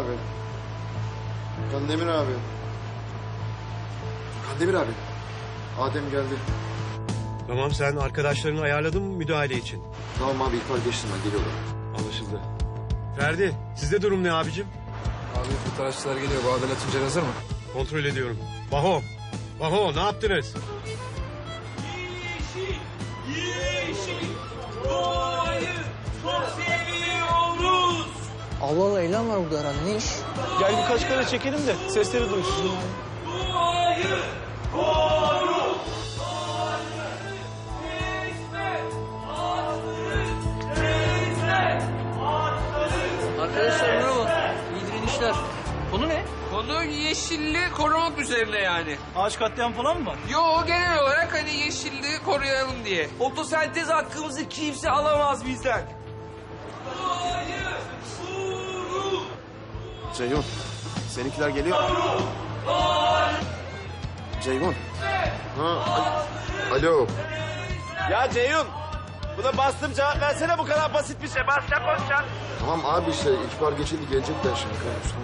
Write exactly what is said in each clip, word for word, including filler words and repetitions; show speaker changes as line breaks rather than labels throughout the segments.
abi. Kandemir abi. Kandemir abi. Adem geldi.
Tamam, sen arkadaşlarını ayarladın mı müdahale için?
Tamam abi, ihbar geçtim ben, geliyorum.
Anlaşıldı. Ferdi, sizde durum ne abicim?
Abi fotoğrafçılar geliyor. Bu Adalet Tuncer hazır mı?
Kontrol ediyorum. Baho, Baho ne yaptınız?
Yeşil, yeşil, doğayı çok seviyoruz.
Allah Allah, eylem var burada herhalde. Ne iş?
Gel birkaç kere çekelim de sesleri duysun.
Doğayı koru. Doğayı kesme, ağaçları kesme, ağaçları.
Arkadaşlar merhaba. İyi direnişler. Konu ne?
Konu yeşilliği korumak üzerine yani.
Ağaç katliam falan mı var?
Yo, genel olarak hani yeşilliği koruyalım diye.
Fotosentez hakkımızı kimse alamaz bizden. Doğayı koru.
Ceyhun, seninkiler geliyor. Ceyhun. Ha, alo.
Ya Ceyhun, buna bastım cevap versene, bu kadar basit bir şey. Basacak konuşacaksın.
Tamam abi, işte ihbar geçildi, gelecekler şimdi kardeşim.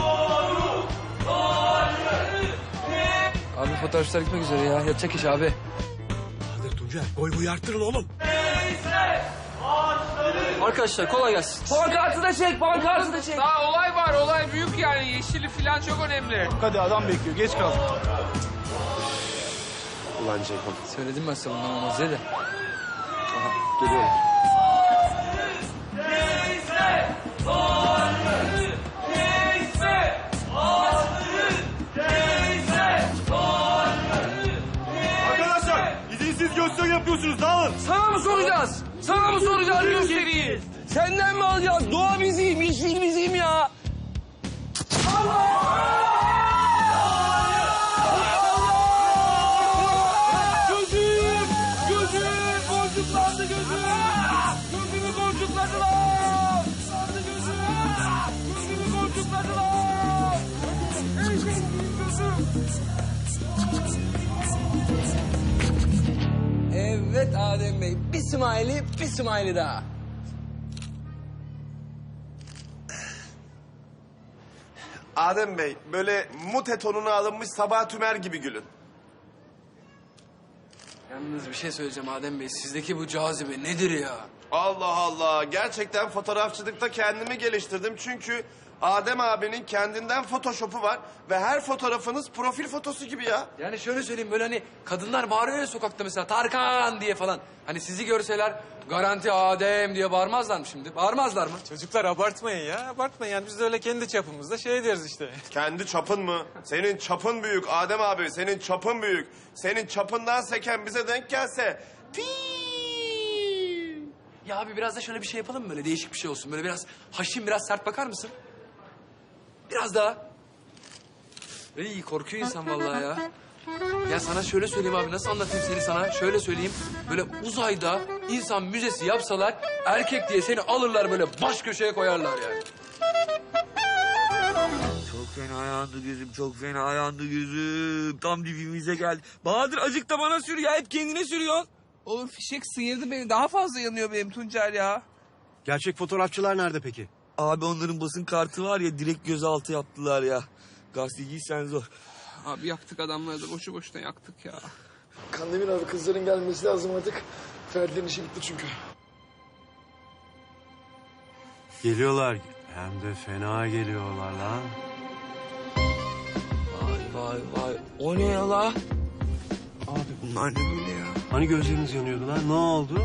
Abi fotoğrafçılar gitmek üzere ya. Yatacak iş abi.
Hadi Tuncer, boy boyu arttırın oğlum.
Arkadaşlar kolay gelsin.
Pankartı da çek, pankartı da çek.
Daha olay var, olay büyük yani. Yeşili falan çok önemli.
Hadi adam bekliyor, geç kaldık.
Ulan Ceyhun.
Söyledim ben sana bundan olmaz diye de.
Aha, geliyorum.
Kesme, ağaçları kesme, ağaçları kesme, ağaçları.
Arkadaşlar, izinsiz gösteri yapıyorsunuz, dağılın.
Sana mı soracağız? Sana mı soracağız gösteriyi? Senden mi alacağız? Doğa bizim, yeşil bizim ya. Gözüm, gözüm, boncuklandı gözüm. Gözümü boncukladılar. Sardı gözüm. Gözümü boncukladılar. Ey benim gözüm.
Evet Adem Bey. Bir smiley, bir smiley daha.
Adem Bey, böyle mute tonuna alınmış Sabah Tümer gibi gülün.
Yalnız bir şey söyleyeceğim Adem Bey. Sizdeki bu cazibe nedir ya?
Allah Allah, gerçekten fotoğrafçılıkta kendimi geliştirdim. Çünkü Adem abinin kendinden photoshop'u var ve her fotoğrafınız profil fotosu gibi ya.
Yani şöyle söyleyeyim, böyle hani kadınlar bağırıyor ya sokakta mesela Tarkan diye falan. Hani sizi görseler garanti Adem diye bağırmazlar mı şimdi? Bağırmazlar mı?
Çocuklar abartmayın ya, abartmayın. Yani biz de öyle kendi çapımızda şey deriz işte.
Kendi çapın mı? Senin çapın büyük Adem abi, senin çapın büyük. Senin çapından seken bize denk gelse... Piii.
Ya abi biraz da şöyle bir şey yapalım mı? Böyle değişik bir şey olsun. Böyle biraz haşin, biraz sert bakar mısın? Biraz daha. İyi, korkuyor insan vallahi ya. Ya sana şöyle söyleyeyim abi, nasıl anlatayım seni sana? Şöyle söyleyeyim, böyle uzayda insan müzesi yapsalar... ...erkek diye seni alırlar böyle baş köşeye koyarlar yani.
Çok fena yandı gözüm, çok fena yandı gözüm. Tam dibimize geldi. Bahadır acık da bana sür ya, hep kendine sürüyorsun.
Oğlum fişek sıyırdı beni. Daha fazla yanıyor benim Tuncer ya.
Gerçek fotoğrafçılar nerede peki?
Abi onların basın kartı var ya, direkt gözaltı yaptılar ya. Gazeteciysen zor.
Abi yaktık adamları da boşu boşuna yaktık ya.
Kandemir abi, kızların gelmesi lazım artık. Ferdi'nin işi bitti çünkü.
Geliyorlar. Hem de fena geliyorlar lan.
Vay vay vay. O ne ya la? Abi bunlar ne böyle ya?
Hani gözleriniz yanıyordu lan? Ne oldu?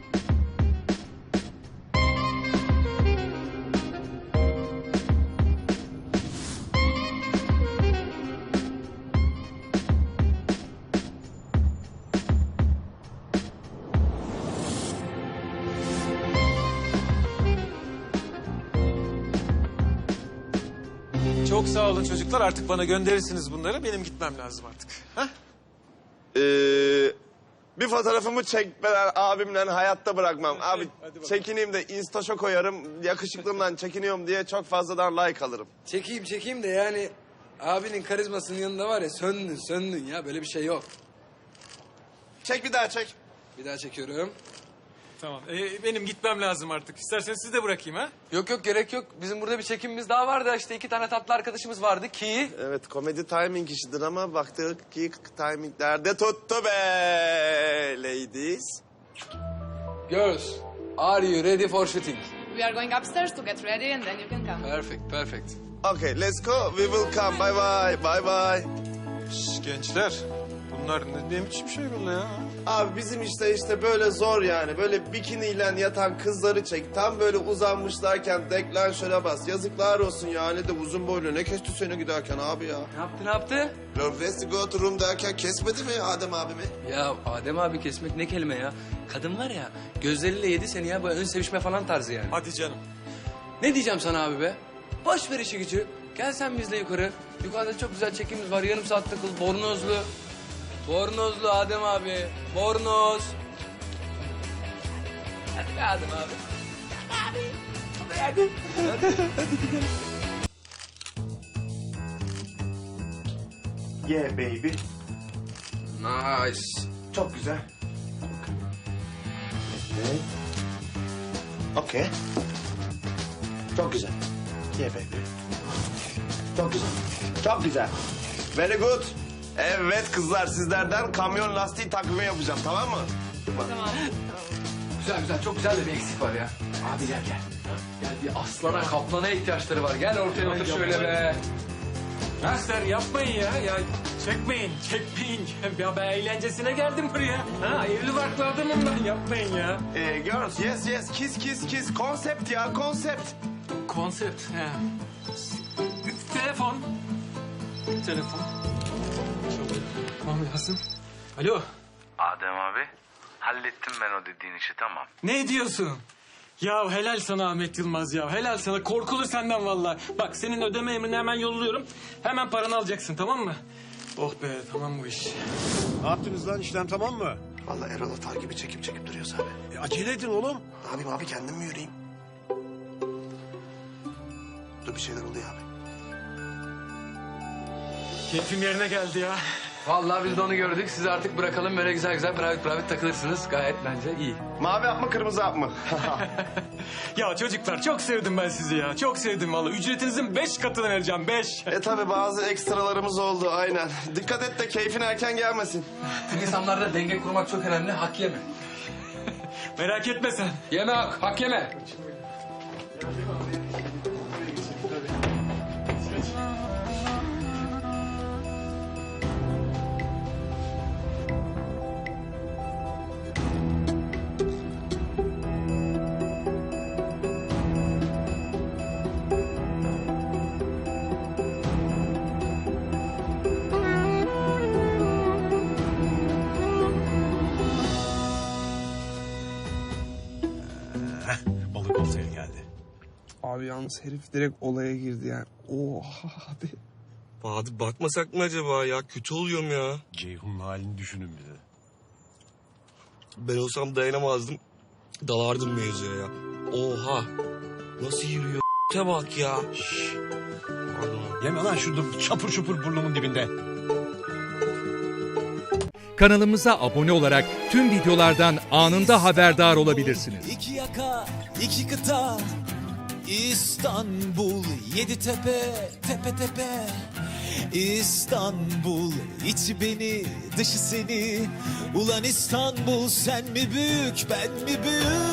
Çok sağ olun çocuklar, artık bana gönderirsiniz bunları. Benim gitmem lazım artık. Hah?
Ee, bir fotoğrafımı çekmeden abimle hayatta bırakmam.
Hadi,
Abi
hadi bakalım.
çekineyim de instaşa koyarım. Yakışıklığımdan çekiniyorum diye çok fazladan like alırım.
Çekeyim çekeyim de yani... ...abinin karizmasının yanında var ya, söndün söndün ya, böyle bir şey yok.
Çek bir daha çek.
Bir daha çekiyorum.
tamam. Ee, benim gitmem lazım artık. İsterseniz sizi de bırakayım ha?
Yok yok gerek yok. Bizim burada bir çekimimiz daha vardı. İşte iki tane tatlı arkadaşımız vardı ki.
Evet komedi timing işidir ama baktık ki timinglerde tuttu be ladies.
Girls, are you ready for shooting?
We are going upstairs to get ready and then you can come.
Perfect, perfect.
Okay let's go we will come bye bye bye bye.
Şş, gençler. Bunlar ne, ne biçim şey böyle ya?
Abi bizim işte işte böyle zor yani. Böyle bikiniyle yatan kızları çek. Tam böyle uzanmışlarken deklanşöre bas. Yazıklar olsun yani de uzun boylu. Ne kesti seni giderken abi ya?
Ne yaptı, ne yaptı?
Love go to room derken kesmedi mi Adem abimi?
Ya Adem abi kesmek ne kelime ya? Kadın var ya, gözleriyle yedi seni ya. Böyle ön sevişme falan tarzı yani.
Hadi canım.
Ne diyeceğim sana abi be? Boş ver işi gücü. Gel sen bizle yukarı. Yukarıda çok güzel çekimimiz var. Yarım saat takıl. Bornozlu. Bornozlu Adem abi. Bornoz. Hadi be Adem abi.
Yeah baby.
Nice.
Çok güzel. Evet. Okey. Çok güzel. Yeah baby. Çok güzel. Çok güzel. Very good. Evet kızlar sizlerden kamyon lastiği takvimi yapacağım tamam mı?
Güzel güzel. Çok güzel de bir eksik var ya. Abi gel gel. Gel bir aslana kaplana ihtiyaçları var. Gel ortaya otur şöyle be.
Gençler yapmayın ya. Ya çekmeyin, çekmeyin. Ya ben eğlencesine geldim buraya. Ha, evli barklı adamım ben. Yapmayın ya.
Ee, girls yes yes kiss kiss kiss konsept ya konsept.
Konsept. He. Telefon. Telefon. Tamam lazım. Alo.
Adem abi, hallettim ben o dediğin işi tamam.
Ne diyorsun? Ya helal sana Ahmet Yılmaz ya. Helal sana. Korkulu senden vallahi. Bak senin ödeme emrini hemen yolluyorum. Hemen paranı alacaksın tamam mı? Oh be tamam bu iş.
Ne yaptınız lan işlem tamam mı?
Vallahi Erol Atar gibi çekip çekip duruyoruz abi.
E, acele edin oğlum.
Ne yapayım abi kendim mi yürüyeyim? Dur bir şeyler oluyor abi.
Keyfim yerine geldi ya.
Vallahi biz de onu gördük. Sizi artık bırakalım. Böyle güzel güzel private private takılırsınız. Gayet bence iyi.
Mavi hap mı kırmızı hap mı?
Ya çocuklar çok sevdim ben sizi ya. Çok sevdim vallahi. Ücretinizin beş katını vereceğim. Beş.
e tabi bazı ekstralarımız oldu aynen. Dikkat et de keyfin erken gelmesin.
Tüm insanlarda denge kurmak çok önemli. Hak yeme.
Merak etme sen.
Yeme hak. Hak yeme.
Balık oltaya geldi.
Abi yalnız herif direkt olaya girdi yani. Oha abi.
Bahadır bakmasak mı acaba ya? Kötü oluyorum ya.
Ceyhun'un halini düşünün bir de.
Ben olsam dayanamazdım. Dalardım mevzuya ya. Oha. Nasıl yürüyor? Te bak ya. Şşş. Pardon.
Yeme lan şurada çapur çupur burnumun dibinde.
Kanalımıza abone olarak tüm videolardan anında haberdar olabilirsiniz.
İki yaka, iki kıta, İstanbul, yedi tepe, tepe tepe. İstanbul, içi beni, dışı seni. Ulan İstanbul, sen mi büyük, ben mi büyük?